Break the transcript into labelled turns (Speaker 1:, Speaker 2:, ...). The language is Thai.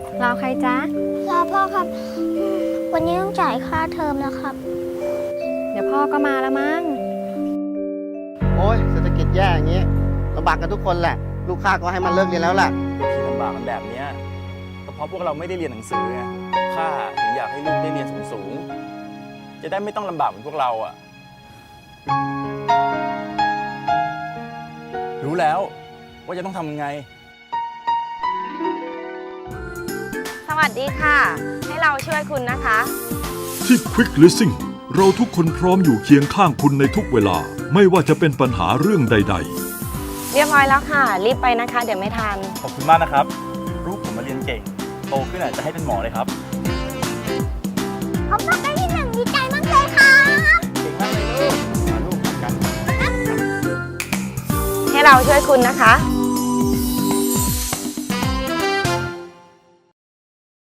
Speaker 1: รอใครจ๊ะ
Speaker 2: รอพ่อครับ วันนี้ต้องจ่ายค่าเทอมแล้วครับ
Speaker 1: เดี๋ยวพ่อก็มาแล้วมั้ง
Speaker 3: โอ้ยเศรษฐกิจแย่อย่างนี้ลำบากกันทุกคนแหละ ลูกค้าก็ให้มันเลิกเรียนแล้วแหละ
Speaker 4: ที่ลำบากกันแบบนี้ก็เพราะพวกเราไม่ได้เรียนหนังสือไงข้าถึงอยากให้ลูกได้เรียนสูงๆจะได้ไม่ต้องลำบากเหมือนพวกเราอ่ะรู้แล้วว่าจะต้องทำยังไง
Speaker 1: สวัสดีค่ะ ให้เราช่วยคุณนะคะ
Speaker 5: ที่ Quick Leasing เราทุกคนพร้อมอยู่เคียงข้างคุณในทุกเวลา ไม่ว่าจะเป็นปัญหาเรื่องใด
Speaker 1: เรียบร้อยแล้วค่ะ รีบไปนะคะ เดี๋ยวไม่ทัน
Speaker 4: ขอบคุณมากนะครับลูกผมมาเรียนเก่งโตขึ้นจะให้เป็นหมอเลยครับ
Speaker 2: ผมต้องได้ที่ 1ดีใจมากเลยครับ
Speaker 4: เก่งมากเลยลูกมาลูกกัน
Speaker 1: ให้เราช่วยคุณนะคะ